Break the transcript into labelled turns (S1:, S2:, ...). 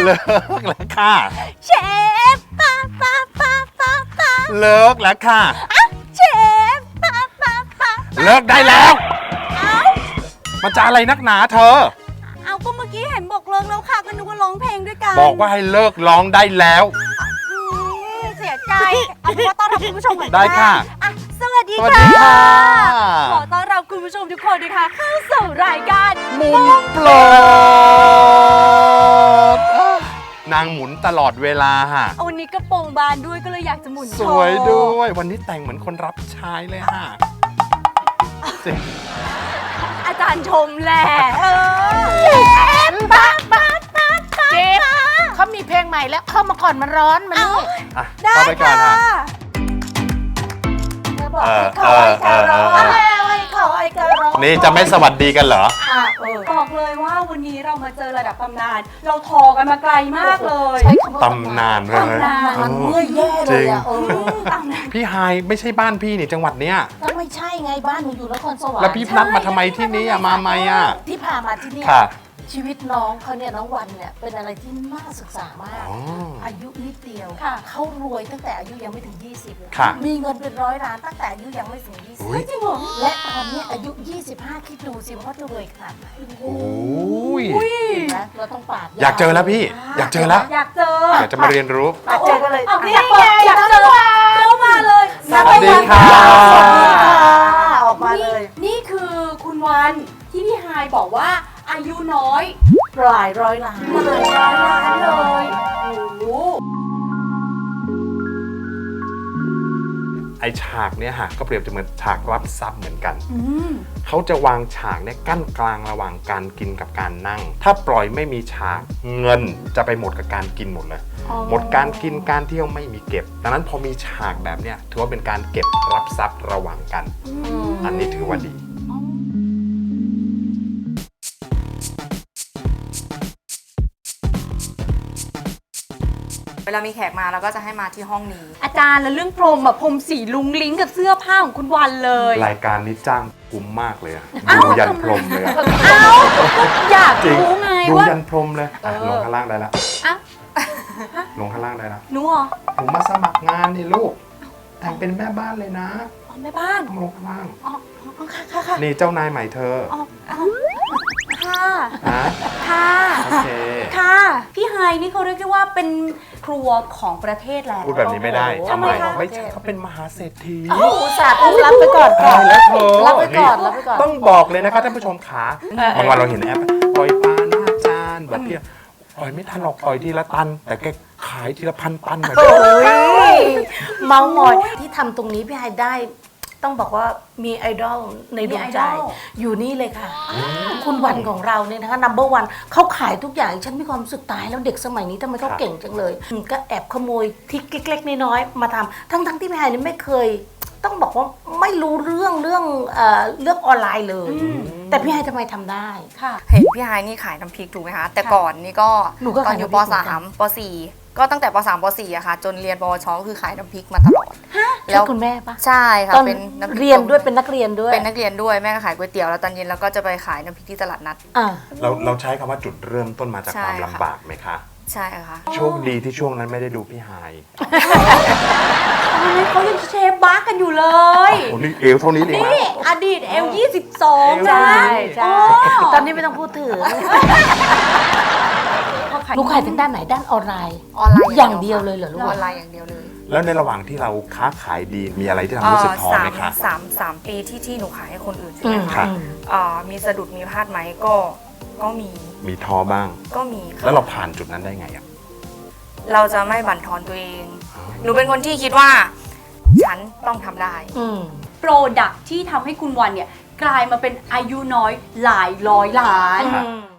S1: เลิกแล้วค่ะ
S2: เชฟป้า
S1: เลิกแล้วค่ะ
S2: เชฟป้า
S1: เลิกได้แล้ว
S2: เอ้า
S1: มันจะอะไรนักหนาเธอ
S2: เอาก็เมื่อกี้เห็นบอกเลิกแล้วค่ะก็นึกว่าร้องเพลงด้วยกัน
S1: บอกว่าให้เลิกร้องได้แล้ว
S2: เสียใจเอาเป็นว่าต้อนรับคุณผู้ชมหน่อย
S1: ได้ค่ะ
S2: อ่ะสวัสดี
S1: สวัสดีค่ะ
S2: ขอต้อนรับคุณผู้ชมทุกคนนะคะเข้าสู่รายการ
S1: มุมโปรดนางหมุนตลอดเวลาฮะ
S2: วันนี้กระโปรงบานด้วยก็เลยอยากจะหมุน
S1: สวยด้วย วันนี้แต่งเหมือนคนรับใช้เลยฮะจริง
S2: อาจารย์ชมแหละเชฟป้า
S3: เจ๊เขามีเพลงใหม่แล้วเข้ามาก่อนมันร้อนมันนี่
S1: อ่ะ
S2: ได้
S1: เข้าไปก่อน
S2: ค่ะ
S1: ฮะ
S3: เธอบอกให้เขาไอ้กระร้อนให้เขาไอ้กระร้อน
S1: นี่จะไม่สวัสดีกันเหรอ
S2: บอกเลยว่าวันนี้เรามาเจอระดับตำนาน เราทอกันมาไกลมากเลย
S3: ใช้คำว่า
S1: ตำนานเลย
S2: ตำนาน
S3: มันเมื่อยแย่เลยอ่ะ
S2: ตำนาน
S1: พี่ไฮายไม่ใช่บ้านพี่นี่จังหวัดเนี้ย
S3: ก็ไม่ใช่ไงบ้านหนูอยู่นครสวรรค์
S1: แล้วพี่นัดมาทำไมที่นี่อะมาไหมอ่ะ
S3: ที่พามาที่นี่
S1: ค่ะ
S3: ชีวิตน้องเขาเนี่ยน้องวันเนี่ยเป็นอะไรที่น่าศึกษามาก
S1: อ๋อ
S3: อายุนิดเดียว
S2: ค่ะ
S3: เขารวยตั้งแต่อายุยังไม่ถึง 20เลย
S1: ค่ะ
S3: มีเงินเป็น100 ล้านตั้งแต่อายุยังไม่ถึง
S1: อุ๊ย
S3: 20จริงเหรอและตอนนี้อายุ 25 คิดดูสิว่าจะรวยขนาดไหน
S1: โอ้ย
S3: เห็นไหมเราต้องปาด
S1: อยากเจอแล้วพี่ อยากเจอแล้ว
S2: อยากเจอ
S1: อยากจะมาเรียนรู้
S3: ปาดเจอกันเลย
S2: เอานี่ไงอยากเจอเข้ามาเลย
S1: สวัสดีค่ะ
S3: สวัสดีค่ะออกมาเลย
S2: นี่คือคุณวันที่พี่ไฮายบอกว่าอายุน้อย
S3: หลายร้อยล้าน
S2: หลายร้อยล้านเลยโอ้โห
S1: ไอฉากเนี้ยฮะก็เปรียบจะเหมือนฉากรับทรัพย์เหมือนกัน เขาจะวางฉากเนี่ยกั้นกลางระหว่างการกินกับการนั่ง ถ้าปล่อยไม่มีฉากเงินจะไปหมดกับการกินหมดเลย หมดการกินการเที่ยวไม่มีเก็บ ดังนั้นพอมีฉากแบบเนี้ยถือว่าเป็นการเก็บรับทรัพย์ระหว่างกัน อันนี้ถือว่าดี
S4: เวลามีแขกมาเราก็จะให้มาที่ห้องนี้
S2: อาจารย์แล้วเรื่องพรมอะพรมสีลุงลิงกับเสื้อผ้าของคุณวันเลย
S1: รายการนี้จ้างคุ้มมากเลยอะดูยันพรมเลยอะ
S2: เอ้าอยาก
S1: จริง
S2: รู้ไง
S1: ดู
S2: ว่า
S1: ยันพรมเลยอ่ะลงข้างล่างได้แล้ว
S2: อ่ะ
S1: ลงข้างล่างได้แล้ว
S2: หนูเหรอ
S1: ผมมาสมัครงานนี่ลูก แต่งเป็นแม่บ้านเลยนะ
S2: อ๋อแม่บ้าน
S1: ต้องลงข้างล่าง
S2: อ๋อค่ะ
S1: นี่เจ้านายใหม่เธอ
S2: ค่ะ
S1: นะ
S2: ค่ะ
S1: โอเค
S2: ค่ะ พี่ไฮนี่เขาเรียกได้ว่าเป็นครัวของประเทศแล้ว
S1: พูดแบบนี้ไม่ได้
S2: ทำไมคะ
S1: ไม่ใช่เขาเป็นมหาเศรษฐี
S3: อุตส่าห์รับไปก่อนค่ะ
S1: ตายแล้วเธอ
S3: รับไปก่อนรับไปก่อน
S1: ต้องบอกเลยนะคะท่านผู้ชมขาบางวันเราเห็นแอปปล่อยปลาหน้าจานแบบเพี้ยปล่อยไม่ทันหรอกปล่อยทีละตัน แต่แกขายทีละพันตันแบบ
S3: โอ้ยเมามอยที่ทำตรงนี้พี่ไฮได้ ต้องบอกว่ามีไอดอลในดวงใจ อยู่นี่เลยค่ะ คุณวันของเราเนี่ยนะคะ number one เขาขายทุกอย่างฉันมีความรู้สึกตายแล้วเด็กสมัยนี้ทำไมเขาเก่งจังเลยก็แอบขโมยทริกเล็กๆน้อยๆมาทำทั้งที่พี่ไฮนี่ไม่เคย ต้องบอกว่าไม่รู้เรื่องออนไลน์เลย แต่พี่ไฮทำไมทำได้
S2: ค่ะ
S4: เห็นพี่ไฮนี่ขายน้ำพริกถูกไหมคะ แต่ก่อนนี่ก็
S3: หนูก็
S4: ตอ
S3: ขาน ย
S4: อยู่
S3: น้ำพ
S4: ป
S3: ริกเหมือนกัน
S4: .3 ป .4 ก็ตั้งแต่ป .3 ป .4 อะค่ะ จนเรียนปวชก็คือขายน้ำพริกมาตลอด
S3: ใช่คุณแม่ปะ
S4: ใช่ค่ะ
S3: ตอน
S4: เป็นน้ำพริก
S3: เรียนด้วยเป็นนักเรียนด้วย
S4: เป็นนักเรียนด้วยแม่ก็ขายก๋วยเตี๋ยวแล้วตอนเย็นเราก็จะไปขายน้ำพริกที่ตลาดนัด
S3: อ่า
S1: เราใช้คำว่าจุดเริ่มต้นมาจาก
S4: ใช่
S1: ความ
S4: ค่ะ
S1: ลำบากไหมคะ
S4: ใช่ค่ะ
S1: โชคดีที่ช่วงนั้นไม่ได้ดูพี่ไฮ
S2: ตอนนั้นเขายังเชฟบาร์กันอยู่เลย
S1: โอ้นี่เอวเท่านี้เองนะ
S2: นี่อดีตL22 นะ
S3: ใช่ตอนนี้ไม่ต้องพูดถึงลูกขายทางด้านไหนด้านออนไลน์
S4: ออนไลน์
S3: อย่างเดียวเลยเหรอลูก
S4: ออนไลน์อย่างเดียวเลย
S1: แล้วในระหว่างที่เราค้าขายดีมีอะไรที่ทำให้รู้สึกท้อไหมคะ
S4: สามปีที่หนูขายให้คนอื่นใช่ไหม
S1: ครั
S4: คะ
S1: บ
S4: มีสะดุดมีพลาดไหมก็มี
S1: มีท้อบ้าง
S4: ก็มีค่ะ
S1: แล้วเราผ่านจุดนั้นได้ไงอ่ะ
S4: เราจะไม่บั่นทอนตัวเอง หนูเป็นคนที่คิดว่า ฉันต้องทำได้
S2: โปรดักที่ทำให้คุณวันเนี่ยกลายมาเป็นอายุน้อยหลายร้อยล้าน
S1: ครับ
S3: อืม